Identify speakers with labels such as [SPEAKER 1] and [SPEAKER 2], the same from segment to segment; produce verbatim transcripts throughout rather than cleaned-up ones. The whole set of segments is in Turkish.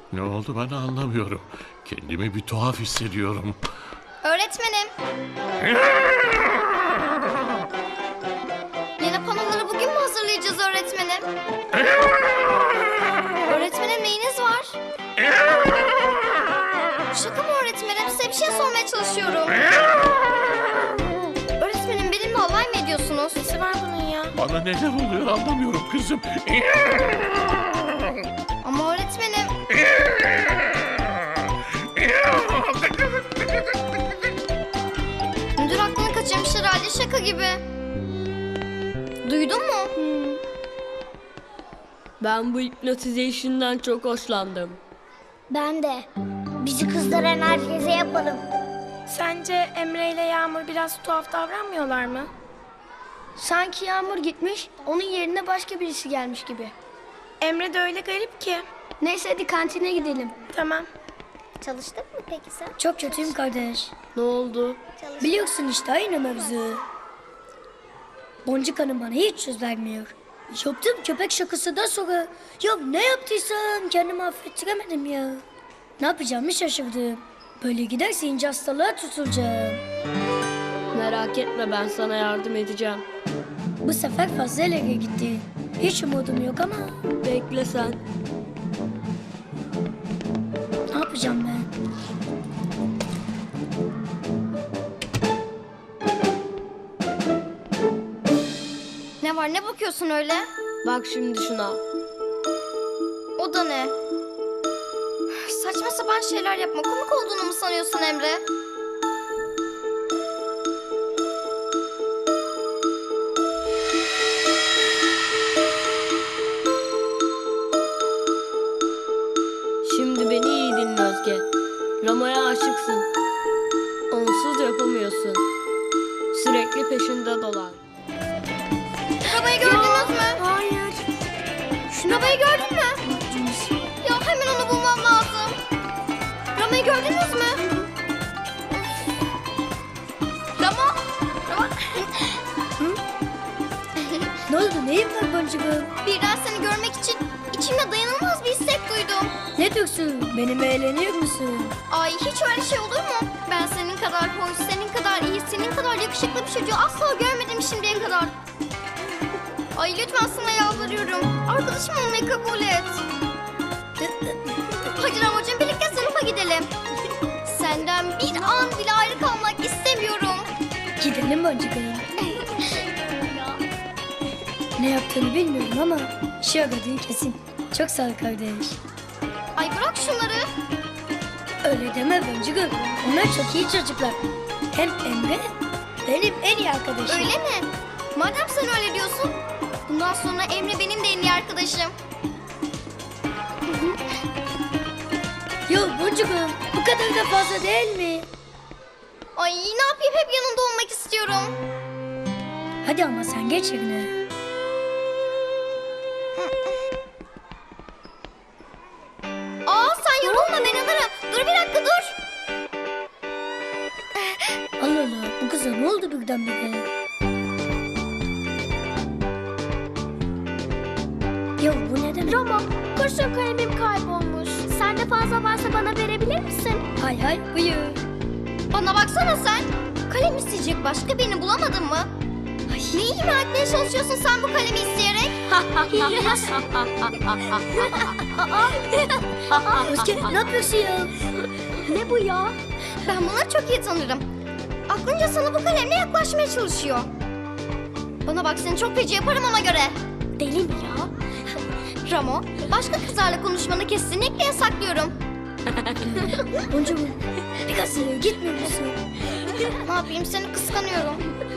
[SPEAKER 1] Ne oldu bana anlamıyorum. Kendimi bir tuhaf hissediyorum.
[SPEAKER 2] Öğretmenim. Yeni panoları bugün mü hazırlayacağız öğretmenim? Öğretmenim neyiniz var? Şaka mı öğretmenim? Size bir şey sormaya çalışıyorum. Öğretmenim benimle alay mı ediyorsunuz? Nesi var bunun ya?
[SPEAKER 1] Bana neler oluyor anlamıyorum kızım.
[SPEAKER 2] Ama öğretmenim... Müdür aklını kaçırmış herhalde, şaka gibi. Duydun mu?
[SPEAKER 3] Ben bu hipnotization'dan çok hoşlandım.
[SPEAKER 4] Ben de. Bizi kızdıran herkese yapalım.
[SPEAKER 5] Sence Emre ile Yağmur biraz tuhaf davranmıyorlar mı?
[SPEAKER 4] Sanki Yağmur gitmiş, onun yerine başka birisi gelmiş gibi.
[SPEAKER 5] Emre de öyle garip ki.
[SPEAKER 4] Neyse hadi kantine gidelim.
[SPEAKER 5] Tamam.
[SPEAKER 2] Çalıştın mı peki sen?
[SPEAKER 4] Çok kötüyüm kardeş.
[SPEAKER 3] Ne oldu?
[SPEAKER 4] Biliyorsun işte aynı mevzu. Boncuk Hanım bana hiç söz vermiyor. Yaptığım köpek şakasından sonra ya ne yaptıysam kendimi affettiremedim ya. Ne yapacağımı şaşırdım. Böyle giderse ince hastalığa tutulacağım.
[SPEAKER 3] Merak etme, ben sana yardım edeceğim.
[SPEAKER 4] Bu sefer fazla ileri gitti. Hiç umudum yok ama
[SPEAKER 3] Bekle sen.
[SPEAKER 4] ne yapacağım ben?
[SPEAKER 2] Ne var, ne bakıyorsun öyle?
[SPEAKER 3] Bak şimdi şuna.
[SPEAKER 2] O da ne? Saçma sapan şeyler yapma. Komik olduğunu mu sanıyorsun Emre?
[SPEAKER 3] Şimdi beni iyi dinle Özge. Rama'ya aşıksın. Onsuz yapamıyorsun. Sürekli peşinde dolan.
[SPEAKER 2] Arabayı gördünüz mü?
[SPEAKER 4] Hayır.
[SPEAKER 2] Arabayı gördün mü? Ya hemen onu bulmam lazım. Rama'yı gördünüz mü? Rama? Rama?
[SPEAKER 4] Ne oldu? Neyin var boncuğum?
[SPEAKER 2] Birden seni görmek için içimde dayanılmaz bir istek duydum.
[SPEAKER 4] Ne diyorsun? Benimle eğleniyor musun?
[SPEAKER 2] Ay hiç öyle şey olur mu? Ben senin kadar hoş, senin kadar iyi, senin kadar yakışıklı bir çocuğu asla görmedim şimdiye kadar. Ay lütfen sana yalvarıyorum. Arkadaşım olmayı kabul et. Hadi Ramazan birlikte sınıfa gidelim. Senden bir an bile ayrı kalmak istemiyorum.
[SPEAKER 4] Gidelim boncuğum. Ne yaptığını bilmiyorum ama işe yaradığın kesin. Çok sağ ol kardeş.
[SPEAKER 2] Ay bırak şunları.
[SPEAKER 4] Öyle deme boncuğum. Onlar çok iyi çocuklar. Hem Emre benim en iyi arkadaşım.
[SPEAKER 2] Öyle mi? Madem sen öyle diyorsun, bundan sonra Emre benim de en iyi arkadaşım.
[SPEAKER 4] Yo boncuğum bu kadar da fazla değil mi?
[SPEAKER 2] Ay ne yapayım, hep yanında olmak istiyorum.
[SPEAKER 4] Hadi ama sen geç yerine.
[SPEAKER 2] Aa sen yorulma, ben alırım. Dur bir dakika dur.
[SPEAKER 4] Allah Allah bu kıza ne oldu birdenbire? Ya bu ne demek?
[SPEAKER 5] Ramo, kurşun kalemim kaybolmuş. Sende fazla varsa bana verebilir misin?
[SPEAKER 4] Hay hay buyur.
[SPEAKER 2] Bana baksana sen. Kalem isteyecek başka birini bulamadın mı? Ay, ne ima etmeye çalışıyorsun sen bu kalemi isteyerek?
[SPEAKER 4] Özge ne yapıyorsun ya?
[SPEAKER 2] Ne bu ya? Ben bunları çok iyi tanırım. Aklınca sana bu kalemle yaklaşmaya çalışıyor. Bana bak, seni çok feci yaparım ona göre. Deli mi ya? Ramo, başka kızlarla konuşmanı kesinlikle yasaklıyorum.
[SPEAKER 4] Boncuğum biraz ileri gitmiyor musun?
[SPEAKER 2] Ne yapayım, seni kıskanıyorum.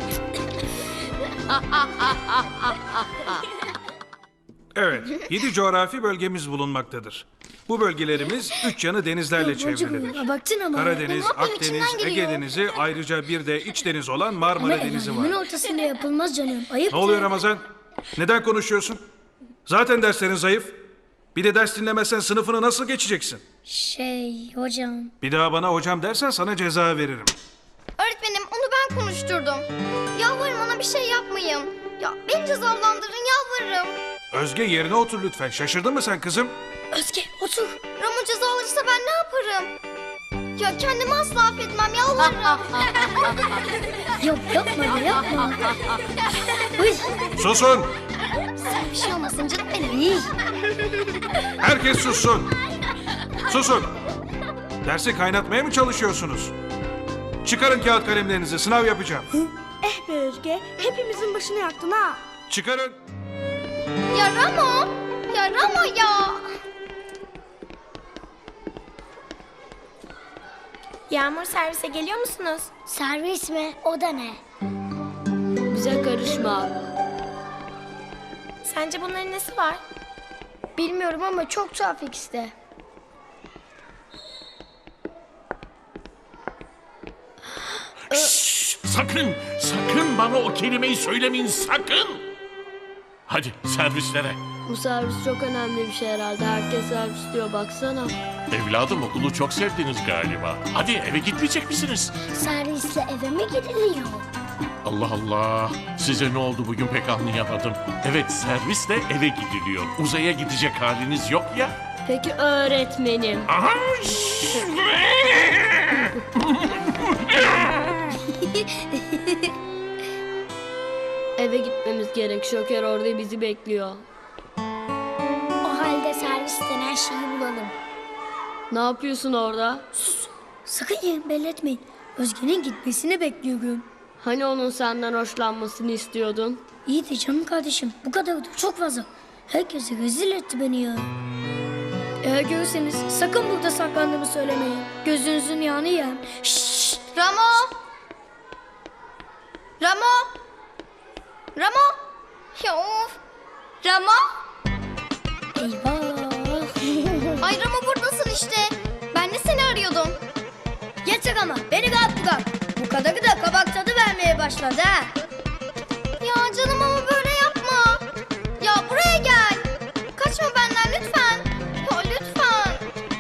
[SPEAKER 6] Evet, yedi coğrafi bölgemiz bulunmaktadır. Bu bölgelerimiz üç yanı denizlerle çevrilidir.
[SPEAKER 4] Boncuğum abaktın ama.
[SPEAKER 6] Karadeniz,
[SPEAKER 2] Ne yapayım,
[SPEAKER 6] Akdeniz,
[SPEAKER 2] içimden
[SPEAKER 6] Ege
[SPEAKER 2] geliyor.
[SPEAKER 6] Denizi, ayrıca bir de iç deniz olan
[SPEAKER 4] Ama
[SPEAKER 6] Marmara
[SPEAKER 4] el
[SPEAKER 6] Denizi
[SPEAKER 4] alemin
[SPEAKER 6] var.
[SPEAKER 4] ortasında yapılmaz canım. Ayıp.
[SPEAKER 6] Ne oluyor Ramazan? Neden konuşuyorsun? Zaten derslerin zayıf. Bir de ders dinlemezsen sınıfını nasıl geçeceksin?
[SPEAKER 4] Şey hocam.
[SPEAKER 6] Bir daha bana hocam dersen sana ceza veririm.
[SPEAKER 2] Öğretmenim, onu ben konuşturdum. Yalvarırım ona bir şey yapmayın. Ya beni cezalandırın, yalvarırım.
[SPEAKER 6] Özge yerine otur lütfen. Şaşırdın mı sen kızım?
[SPEAKER 4] Özge otur.
[SPEAKER 2] Ramo ceza alırsa ben ne yaparım? Ya kendimi asla affetmem, yalvarırım.
[SPEAKER 4] Yok yapma ya yapma. Uy.
[SPEAKER 6] Susun!
[SPEAKER 2] Bir şey olmasın canım benim.
[SPEAKER 6] Herkes sussun! Susun! Dersi kaynatmaya mı çalışıyorsunuz? Çıkarın kağıt kalemlerinizi, sınav yapacağım.
[SPEAKER 5] Eh be Özge, hepimizin başını yaktın ha.
[SPEAKER 6] Çıkarın!
[SPEAKER 2] Ya Ramo, ya Ramo ya.
[SPEAKER 5] Yağmur, servise geliyor musunuz?
[SPEAKER 4] Servis mi? O da ne?
[SPEAKER 3] Bize karışma.
[SPEAKER 5] Sence bunların nesi var?
[SPEAKER 4] Bilmiyorum ama çok tuhaf ikisi de.
[SPEAKER 1] Şşş, sakın, sakın bana o kelimeyi söylemeyin, sakın. Hadi servislere.
[SPEAKER 3] Bu servis çok önemli bir şey herhalde. Herkes servis diyor baksana.
[SPEAKER 1] Evladım okulu çok sevdiniz galiba. Hadi eve gitmeyecek misiniz?
[SPEAKER 4] Servisle eve mi gidiliyor?
[SPEAKER 1] Allah Allah. Size ne oldu bugün pek anlayamadım. Evet servisle eve gidiliyor. Uzaya gidecek haliniz yok ya.
[SPEAKER 3] Peki öğretmenim.
[SPEAKER 1] Aha!
[SPEAKER 3] Eve gitmemiz gerek. Şoker orada bizi bekliyor.
[SPEAKER 4] O halde servis denen şeyi bulalım.
[SPEAKER 3] Ne yapıyorsun orada?
[SPEAKER 4] Sakın yerin belli etmeyin. Özge'nin gitmesini bekliyorum.
[SPEAKER 3] Hani onun senden hoşlanmasını istiyordun?
[SPEAKER 4] İyi de canım kardeşim bu kadar da çok fazla. Herkese rezil etti beni ya. Eğer görürseniz sakın burada saklandığımı söylemeyin. Gözünüzün yağını yem. Şşş.
[SPEAKER 2] Ramo. Ramo. Ramo. Ya of. Ramo.
[SPEAKER 4] Eyvah.
[SPEAKER 2] Ay Ramo buradasın işte. Ben de seni arıyordum.
[SPEAKER 4] Yeter ama beni rahat bırak. Bu kadarı da kabak tadı vermeye başladı ha.
[SPEAKER 2] Ya canım ama böyle yapma. Ya buraya gel. Kaçma benden lütfen. Ya lütfen.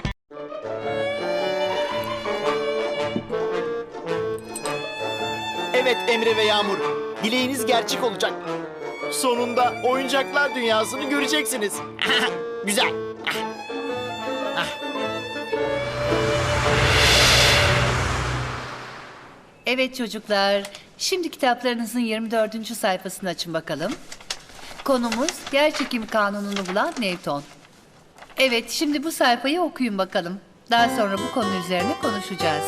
[SPEAKER 7] Evet Emre ve Yağmur, dileğiniz gerçek olacak. Sonunda oyuncaklar dünyasını göreceksiniz. Güzel.
[SPEAKER 8] Evet çocuklar, şimdi kitaplarınızın yirmi dördüncü sayfasını açın bakalım. Konumuz yerçekim kanununu bulan Newton. Evet, şimdi bu sayfayı okuyun bakalım. Daha sonra bu konu üzerine konuşacağız.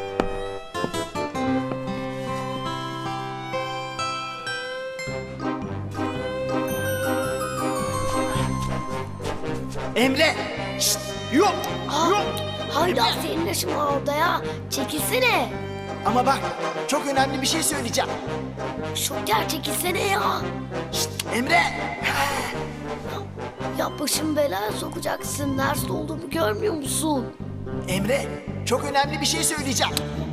[SPEAKER 7] Emre! Şşt! Yok! Yok!
[SPEAKER 4] Hala senin yaşın var orada ya. Çekilsene.
[SPEAKER 7] Ama bak, çok önemli bir şey söyleyeceğim.
[SPEAKER 4] Şoker çekilsene ya.
[SPEAKER 7] Şşt! Emre!
[SPEAKER 4] Ya başımı belaya sokacaksın. Nerede olduğumu görmüyor musun?
[SPEAKER 7] Emre, çok önemli bir şey söyleyeceğim.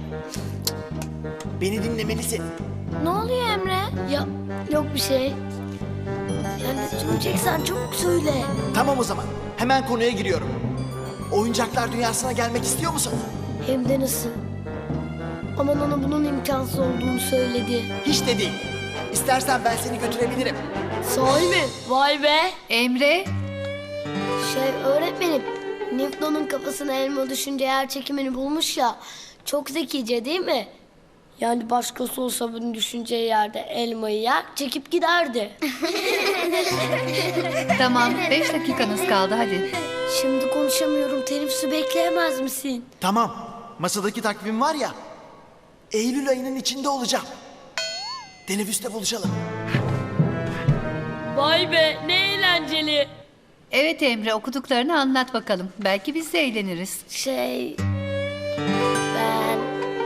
[SPEAKER 7] Beni dinlemelisin.
[SPEAKER 4] Ne oluyor Emre? Ya yok bir şey. Ya ne söyleyeceksen çabuk söyle.
[SPEAKER 7] Tamam o zaman, hemen konuya giriyorum. Oyuncaklar dünyasına gelmek istiyor musun?
[SPEAKER 4] Hem de nasıl? Aman ona bunun imkansız olduğunu söyledi.
[SPEAKER 7] Hiç de değil. İstersen ben seni götürebilirim.
[SPEAKER 3] Sahi mi? Vay be.
[SPEAKER 8] Emre,
[SPEAKER 4] Şey öğretmenim, Newton'un kafasına elma düşünce yer çekimini bulmuş ya. Çok zekice değil mi? Yani başkası olsa bunu düşüneceği yerde elmayı yer, çekip giderdi.
[SPEAKER 8] tamam beş dakikanız kaldı hadi.
[SPEAKER 4] Şimdi konuşamıyorum, teneffüsü bekleyemez misin?
[SPEAKER 7] Tamam, masadaki takvim var ya, Eylül ayının içinde olacağım. Teneffüste buluşalım.
[SPEAKER 3] Vay be ne eğlenceli.
[SPEAKER 8] Evet Emre, okuduklarını anlat bakalım. Belki biz de eğleniriz.
[SPEAKER 4] Şey... Ben...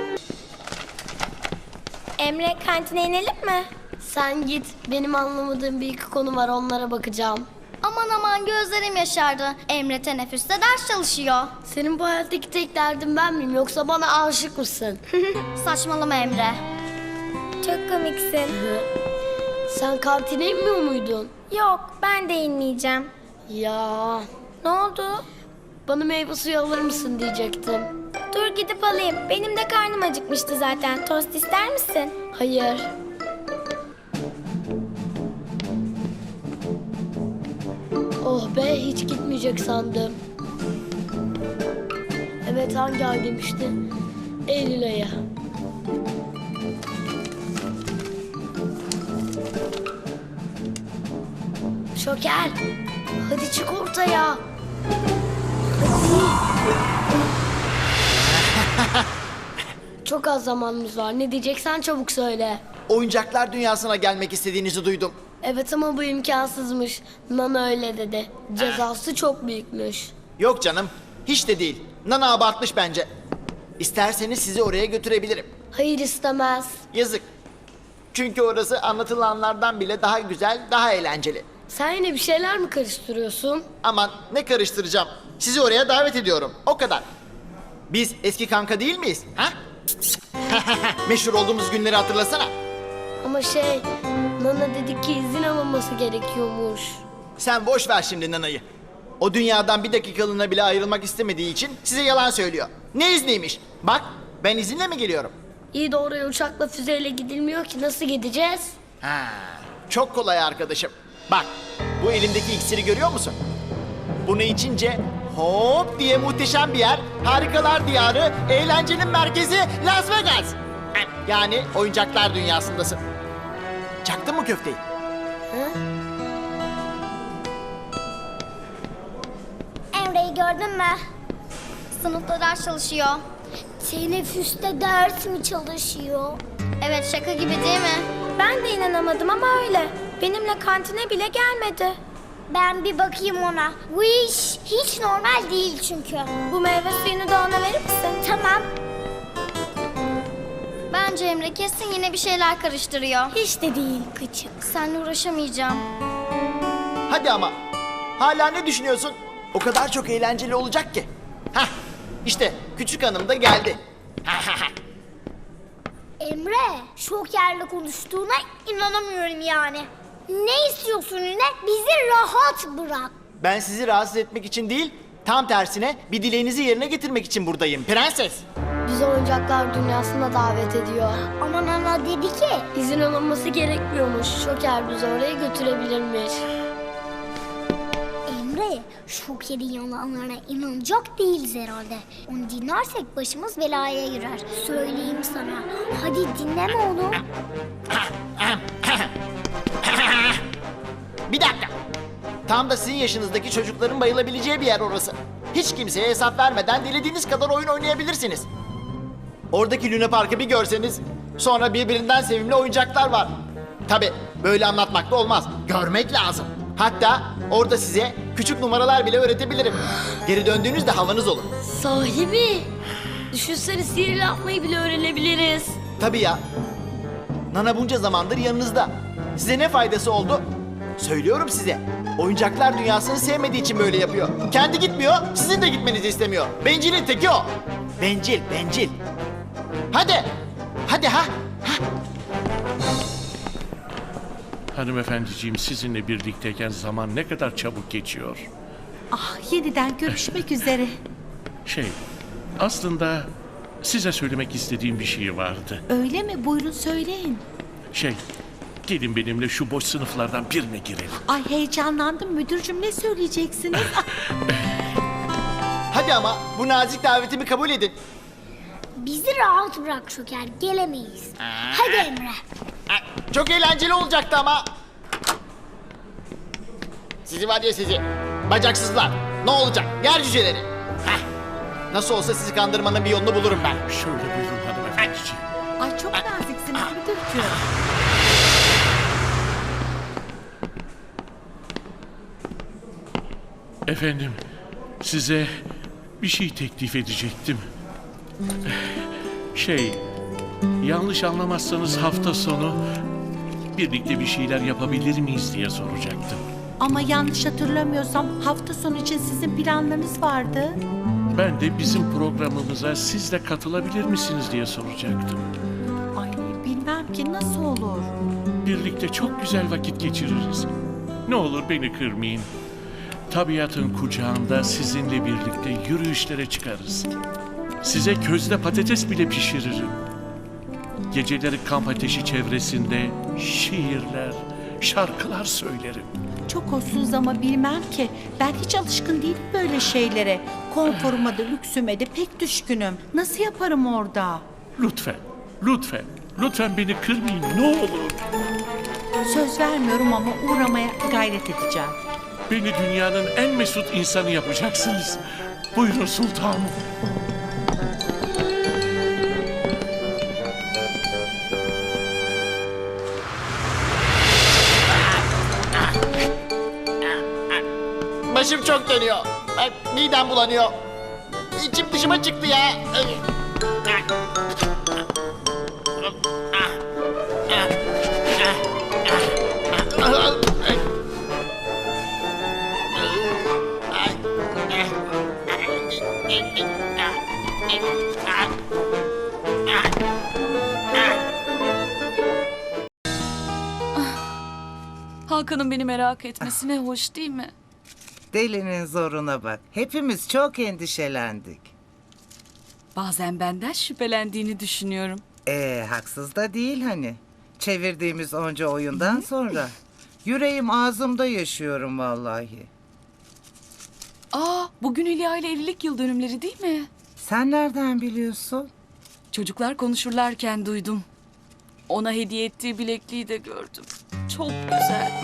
[SPEAKER 5] Emre, kantine inelim mi?
[SPEAKER 4] Sen git, benim anlamadığım bir iki konu var, onlara bakacağım.
[SPEAKER 2] Aman aman gözlerim yaşardı. Emre teneffüste ders çalışıyor.
[SPEAKER 4] Senin bu hayattaki tek derdin ben miyim, yoksa bana aşık mısın?
[SPEAKER 2] Saçmalama Emre.
[SPEAKER 5] Çok komiksin.
[SPEAKER 4] Sen kantine inmiyor muydun?
[SPEAKER 5] Yok, ben de inmeyeceğim.
[SPEAKER 4] Ya...
[SPEAKER 5] Ne oldu?
[SPEAKER 4] Bana meyve suyu alır mısın diyecektim.
[SPEAKER 5] Dur gidip alayım. Benim de karnım acıkmıştı zaten. Tost ister misin?
[SPEAKER 4] Hayır.
[SPEAKER 3] Oh be, hiç gitmeyecek sandım. Evet, hangi ay demişti? Eylül ayı.
[SPEAKER 4] Şoker, hadi çık ortaya.
[SPEAKER 3] Çok az zamanımız var. Ne diyeceksen çabuk söyle.
[SPEAKER 7] Oyuncaklar dünyasına gelmek istediğinizi duydum.
[SPEAKER 3] Evet ama bu imkansızmış. Nana öyle dedi. Cezası çok büyükmüş.
[SPEAKER 7] Yok canım, hiç de değil. Nana abartmış bence. İsterseniz sizi oraya götürebilirim.
[SPEAKER 3] Hayır, istemez.
[SPEAKER 7] Yazık. Çünkü orası anlatılanlardan bile daha güzel, daha eğlenceli.
[SPEAKER 3] Sen yine bir şeyler mi karıştırıyorsun?
[SPEAKER 7] Aman ne karıştıracağım. Sizi oraya davet ediyorum. O kadar. Biz eski kanka değil miyiz? Ha? Meşhur olduğumuz günleri hatırlasana.
[SPEAKER 3] Ama şey, Nana dedi ki izin alınması gerekiyormuş.
[SPEAKER 7] Sen boş ver şimdi Nana'yı. O dünyadan bir dakikalığına bile ayrılmak istemediği için size yalan söylüyor. Ne izniymiş? Bak ben izinle mi geliyorum?
[SPEAKER 3] İyi de oraya uçakla füzeyle gidilmiyor ki, nasıl gideceğiz?
[SPEAKER 7] Ha, çok kolay arkadaşım. Bak bu elimdeki iksiri görüyor musun? Bunu içince hop diye muhteşem bir yer, harikalar diyarı, eğlencenin merkezi Las Vegas. Yani oyuncaklar dünyasındasın. Çaktın mı köfteyi?
[SPEAKER 2] Emre'yi gördün mü? Sınıfta ders çalışıyor.
[SPEAKER 5] Teneffüste ders mi çalışıyor?
[SPEAKER 2] Evet, şaka gibi değil mi?
[SPEAKER 5] Ben de inanamadım ama öyle. Benimle kantine bile gelmedi. Ben bir bakayım ona. Bu iş hiç normal değil çünkü. Bu meyve suyunu da ona verir misin? Tamam.
[SPEAKER 2] Bence Emre kesin yine bir şeyler karıştırıyor.
[SPEAKER 5] Hiç de değil küçük.
[SPEAKER 2] Seninle uğraşamayacağım.
[SPEAKER 7] Hadi ama. Hala ne düşünüyorsun? O kadar çok eğlenceli olacak ki. Hah, işte küçük hanım da geldi.
[SPEAKER 5] Emre, şokerle konuştuğuna inanamıyorum yani. Ne istiyorsun yine? Bizi rahat bırak.
[SPEAKER 7] Ben sizi rahatsız etmek için değil, tam tersine bir dileğinizi yerine getirmek için buradayım. Prenses.
[SPEAKER 3] Bizi oyuncaklar dünyasına davet ediyor.
[SPEAKER 5] Ama Nana dedi ki...
[SPEAKER 3] İzin alınması gerekmiyormuş. Şoker bizi oraya götürebilirmiş.
[SPEAKER 5] Emre, şokerin yalanlarına inanacak değiliz herhalde. Onu dinlersek başımız belaya girer. Söyleyeyim sana. Hadi dinleme oğlum.
[SPEAKER 7] Bir dakika. Tam da sizin yaşınızdaki çocukların bayılabileceği bir yer orası. Hiç kimseye hesap vermeden dilediğiniz kadar oyun oynayabilirsiniz. Oradaki Luna Park'ı bir görseniz, sonra birbirinden sevimli oyuncaklar var. Tabii böyle anlatmak da olmaz. Görmek lazım. Hatta orada size küçük numaralar bile öğretebilirim. Geri döndüğünüzde havanız olur.
[SPEAKER 3] Sahi mi? Düşünsene, sihir yapmayı bile öğrenebiliriz.
[SPEAKER 7] Tabii ya. Nana bunca zamandır yanınızda. Size ne faydası oldu? Söylüyorum size. Oyuncaklar dünyasını sevmediği için böyle yapıyor. Kendi gitmiyor, sizin de gitmenizi istemiyor. Bencilin teki o. Bencil, bencil. Hadi. Hadi ha.
[SPEAKER 1] Hanımefendiciğim, sizinle birlikteyken zaman ne kadar çabuk geçiyor.
[SPEAKER 8] Ah, yeniden görüşmek üzere.
[SPEAKER 1] Şey, aslında size söylemek istediğim bir şey vardı.
[SPEAKER 8] Öyle mi? Buyurun söyleyin.
[SPEAKER 1] Şey, gelin benimle şu boş sınıflardan birine girelim.
[SPEAKER 8] Ay, heyecanlandım müdürcüm, ne söyleyeceksiniz?
[SPEAKER 7] Hadi ama bu nazik davetimi kabul edin.
[SPEAKER 5] Bizi rahat bırak şoker. Gelemeyiz. Hadi Emre.
[SPEAKER 7] Çok eğlenceli olacaktı ama. Sizi var ya sizi. Bacaksızlar. Ne olacak? Yer cüceleri. Heh. Nasıl olsa sizi kandırmanın bir yolunu bulurum ben.
[SPEAKER 1] Şöyle buyurun hanımefendiciğim.
[SPEAKER 8] Ay, çok naziksiniz müdürcüm.
[SPEAKER 1] Efendim, size bir şey teklif edecektim. Şey, yanlış anlamazsanız hafta sonu birlikte bir şeyler yapabilir miyiz diye soracaktım.
[SPEAKER 8] Ama yanlış hatırlamıyorsam hafta sonu için sizin planlarınız vardı.
[SPEAKER 1] Ben de bizim programımıza siz de katılabilir misiniz diye soracaktım.
[SPEAKER 8] Ay, bilmem ki nasıl olur.
[SPEAKER 1] Birlikte çok güzel vakit geçiririz. Ne olur beni kırmayın. Tabiatın kucağında sizinle birlikte yürüyüşlere çıkarız. Size közde patates bile pişiririm. Geceleri kamp ateşi çevresinde şiirler, şarkılar söylerim.
[SPEAKER 9] çok hoşsunuz ama bilmem ki. Ben hiç alışkın değilim böyle şeylere. Konforuma da lüksüme de pek düşkünüm. Nasıl yaparım orada?
[SPEAKER 1] Lütfen, lütfen, lütfen beni kırmayın ne olur.
[SPEAKER 9] Söz vermiyorum ama uğramaya gayret edeceğim.
[SPEAKER 1] Beni dünyanın en mesut insanı yapacaksınız. Buyurun sultanım.
[SPEAKER 7] Başım çok dönüyor. Ay, midem bulanıyor. İçim dışıma çıktı ya.
[SPEAKER 10] Hakan'ın beni merak etmesi ne hoş değil mi?
[SPEAKER 11] Delinin zoruna bak. Hepimiz çok endişelendik.
[SPEAKER 10] Bazen benden şüphelendiğini düşünüyorum.
[SPEAKER 11] Ee, haksız da değil hani. Çevirdiğimiz onca oyundan sonra. Yüreğim ağzımda yaşıyorum vallahi.
[SPEAKER 10] Aa, bugün Hülya ile evlilik yıl dönümleri değil mi?
[SPEAKER 11] Sen nereden biliyorsun?
[SPEAKER 10] Çocuklar konuşurlarken duydum. Ona hediye ettiği bilekliği de gördüm. Çok güzel.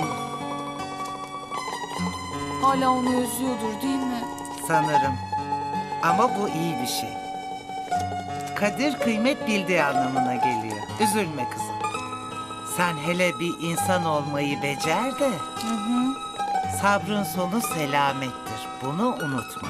[SPEAKER 10] Hala onu özlüyordur değil mi?
[SPEAKER 11] Sanırım. Ama bu iyi bir şey. Kadir kıymet bildiği anlamına geliyor. Üzülme kızım. Sen hele bir insan olmayı becer de.
[SPEAKER 10] Hı hı.
[SPEAKER 11] Sabrın sonu selamettir. Bunu unutma.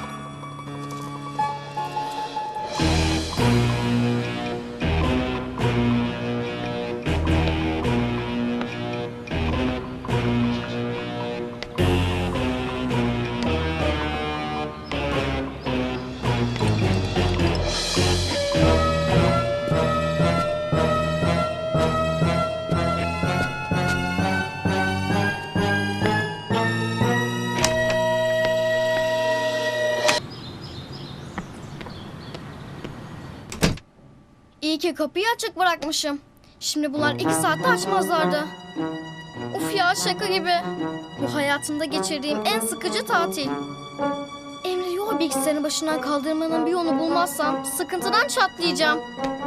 [SPEAKER 2] İyi ki kapıyı açık bırakmışım. Şimdi bunlar iki saatte açmazlardı. Uf ya şaka gibi. Bu hayatımda geçirdiğim en sıkıcı tatil. Emre'yi o bilgisayarın başından kaldırmanın bir yolunu bulmazsam sıkıntıdan çatlayacağım.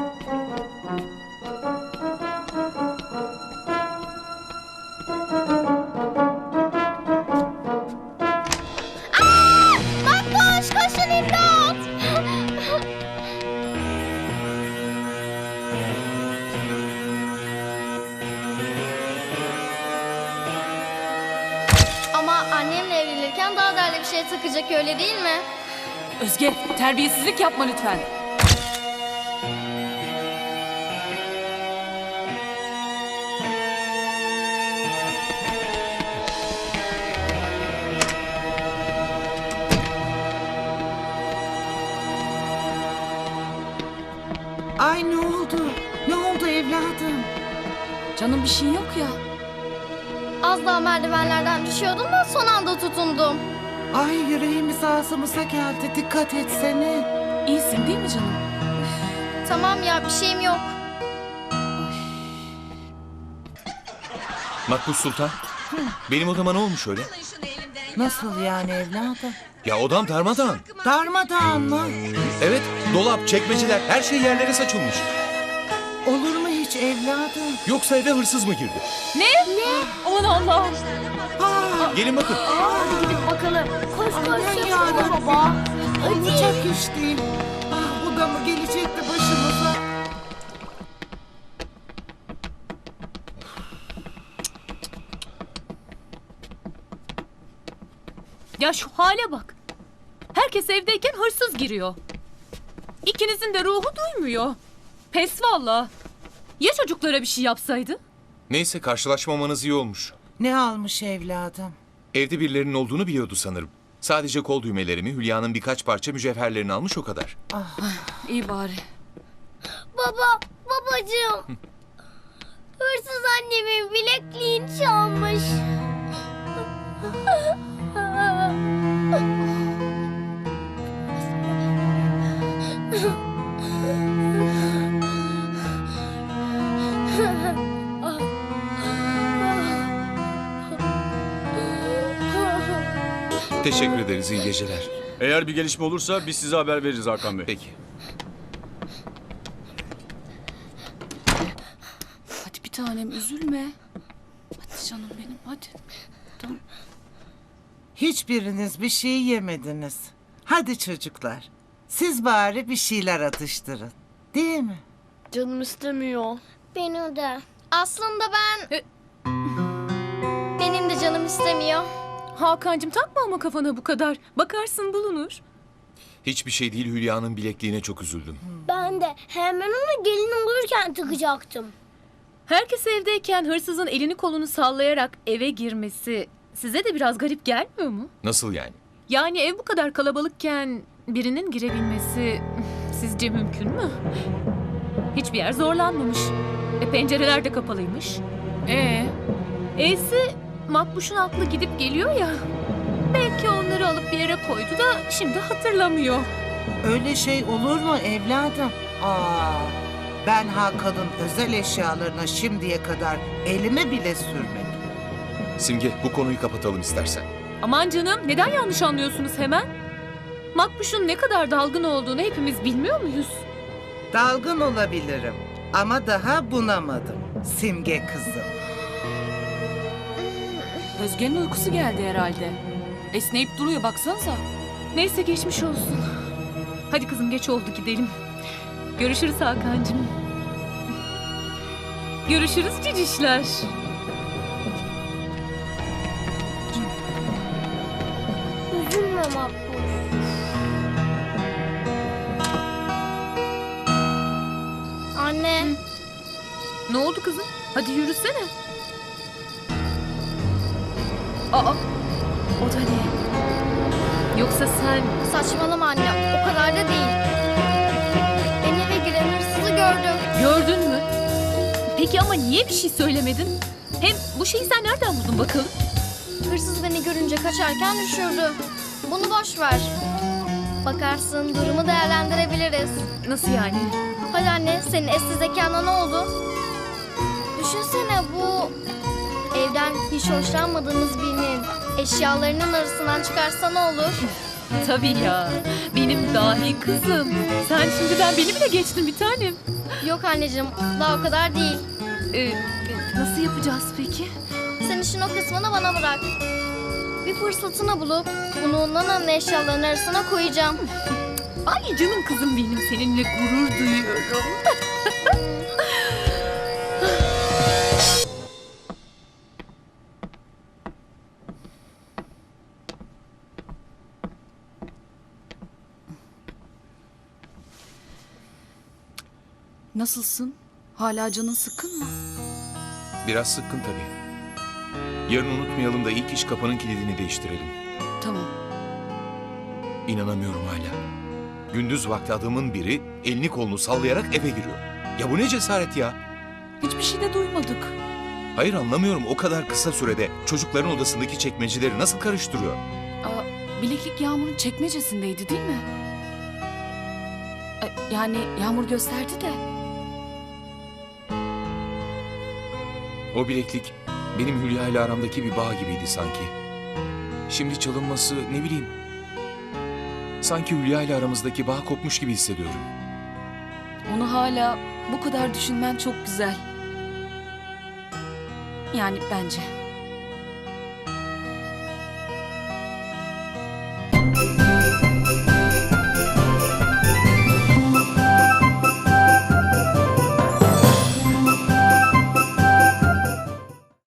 [SPEAKER 2] Aa! Makbuş koşun imdat! Ama annemle evlenirken daha değerli bir şey takacak öyle değil mi?
[SPEAKER 10] Özge, terbiyesizlik yapma lütfen.
[SPEAKER 11] Ay ne oldu? Ne oldu evladım?
[SPEAKER 10] Canım bir şey yok ya.
[SPEAKER 2] Az daha merdivenlerden düşüyordum da son anda tutundum.
[SPEAKER 11] Ay yüreğimiz ağzımıza geldi. Dikkat etsene.
[SPEAKER 10] İyisin değil mi canım?
[SPEAKER 2] Tamam ya bir şeyim yok.
[SPEAKER 12] Makbuş Sultan, benim odama ne olmuş öyle?
[SPEAKER 11] Nasıl yani evladım?
[SPEAKER 12] Ya odam darmadağın.
[SPEAKER 11] Darmadağın mı?
[SPEAKER 12] Evet, dolap, çekmeceler, her şey yerlere saçılmış.
[SPEAKER 11] Olur mu hiç evladım?
[SPEAKER 12] Yoksa eve hırsız mı girdi?
[SPEAKER 10] Ne? Ne? Aman Allah'ım.
[SPEAKER 11] Aa,
[SPEAKER 12] Gelin bakın.
[SPEAKER 3] Hadi gidip bakalım. Koş koş
[SPEAKER 11] aman
[SPEAKER 3] koş
[SPEAKER 11] yarabbim.
[SPEAKER 3] baba.
[SPEAKER 11] Olacak iş değil. Ah, bu da mı gelecekti başımıza?
[SPEAKER 13] Ya şu hale bak. Herkes evdeyken hırsız giriyor. İkinizin de ruhu duymuyor. Pes valla. Ya çocuklara bir şey yapsaydı?
[SPEAKER 12] Neyse karşılaşmamanız iyi olmuş.
[SPEAKER 11] Ne almış evladım?
[SPEAKER 12] Evde birilerinin olduğunu biliyordu sanırım. Sadece kol düğmelerimi, Hülya'nın birkaç parça mücevherlerini almış o kadar.
[SPEAKER 10] İyi bari.
[SPEAKER 5] Baba, babacığım. Hırsız annemin bilekliğini çalmış.
[SPEAKER 12] Teşekkür ederiz. İyi geceler.
[SPEAKER 14] Eğer bir gelişme olursa biz size haber veririz Hakan Bey.
[SPEAKER 12] Peki.
[SPEAKER 10] Hadi bir tanem üzülme. Hadi canım benim hadi. Tamam.
[SPEAKER 11] Hiçbiriniz bir şey yemediniz. Hadi çocuklar. Siz bari bir şeyler atıştırın. Değil mi?
[SPEAKER 3] Canım istemiyor.
[SPEAKER 2] Benim de. Aslında ben... Benim de canım istemiyor.
[SPEAKER 13] Hakan'cığım takma ama kafana bu kadar. Bakarsın bulunur.
[SPEAKER 12] Hiçbir şey değil, Hülya'nın bilekliğine çok üzüldüm.
[SPEAKER 5] Ben de hemen ona gelin olurken takacaktım.
[SPEAKER 13] Herkes evdeyken hırsızın elini kolunu sallayarak eve girmesi size de biraz garip gelmiyor mu?
[SPEAKER 12] Nasıl yani?
[SPEAKER 13] Yani ev bu kadar kalabalıkken birinin girebilmesi sizce mümkün mü? Hiçbir yer zorlanmamış. E pencereler de kapalıymış.
[SPEAKER 10] Ee,
[SPEAKER 13] E'si Makbuş'un aklı gidip geliyor ya. Belki onları alıp bir yere koydu da şimdi hatırlamıyor.
[SPEAKER 11] Öyle şey olur mu evladım? Aa, ben Hakan'ın özel eşyalarına şimdiye kadar elime bile sürmedim.
[SPEAKER 12] Simge, bu konuyu kapatalım istersen.
[SPEAKER 13] Aman canım, neden yanlış anlıyorsunuz hemen? Makbuş'un ne kadar dalgın olduğunu hepimiz bilmiyor muyuz?
[SPEAKER 11] Dalgın olabilirim ama daha bunamadım. Simge kızım.
[SPEAKER 10] Özge'nin uykusu geldi herhalde. Esneyip duruyor baksanıza.
[SPEAKER 13] Neyse geçmiş olsun. Hadi kızım geç oldu gidelim. Görüşürüz Hakan'cığım. Görüşürüz cicişler.
[SPEAKER 5] Üzülme Makbul.
[SPEAKER 2] Anne.
[SPEAKER 13] Ne oldu kızım? Hadi yürüsene. Aa, o da ne? Yoksa sen...
[SPEAKER 2] Saçmalama anne. O kadar da değil. Ben eve giren hırsızı gördüm.
[SPEAKER 13] Gördün mü? Peki ama niye bir şey söylemedin? Hem bu şeyi sen nereden buldun bakalım?
[SPEAKER 2] Hırsız beni görünce kaçarken düşürdü. Bunu boş ver. Bakarsın durumu değerlendirebiliriz.
[SPEAKER 13] Nasıl yani?
[SPEAKER 2] Hadi anne, senin eski zekana ne oldu? Düşünsene bu evden hiç hoşlanmadığımız birinin eşyalarının arasından çıkarsa ne olur?
[SPEAKER 13] Tabii ya. Benim dahi kızım. Sen şimdiden beni bile geçtin bir tanem.
[SPEAKER 2] Yok anneciğim, daha o kadar değil.
[SPEAKER 13] Ee, nasıl yapacağız peki?
[SPEAKER 2] Sen işin o kısmını bana bırak. Bir fırsatını bulup bunu Nana'nın eşyalarının arasına koyacağım.
[SPEAKER 13] Ay canım kızım benim, seninle gurur duyuyorum.
[SPEAKER 10] Nasılsın? Hala canın sıkkın mı?
[SPEAKER 12] Biraz sıkkın tabii. Yarın unutmayalım da ilk iş kapının kilidini değiştirelim.
[SPEAKER 10] Tamam.
[SPEAKER 12] İnanamıyorum hala. Gündüz vakti adamın biri elini kolunu sallayarak eve giriyor. Ya bu ne cesaret ya?
[SPEAKER 10] Hiçbir şey de duymadık.
[SPEAKER 12] Hayır, anlamıyorum, o kadar kısa sürede çocukların odasındaki çekmeceleri nasıl karıştırıyor?
[SPEAKER 10] Aa, bileklik Yağmur'un çekmecesindeydi değil mi? Ee, yani Yağmur gösterdi de.
[SPEAKER 12] O bileklik benim Hülya ile aramdaki bir bağ gibiydi sanki. Şimdi çalınması, ne bileyim. Sanki Hülya ile aramızdaki bağ kopmuş gibi hissediyorum.
[SPEAKER 10] Onu hala bu kadar düşünmen çok güzel. Yani bence.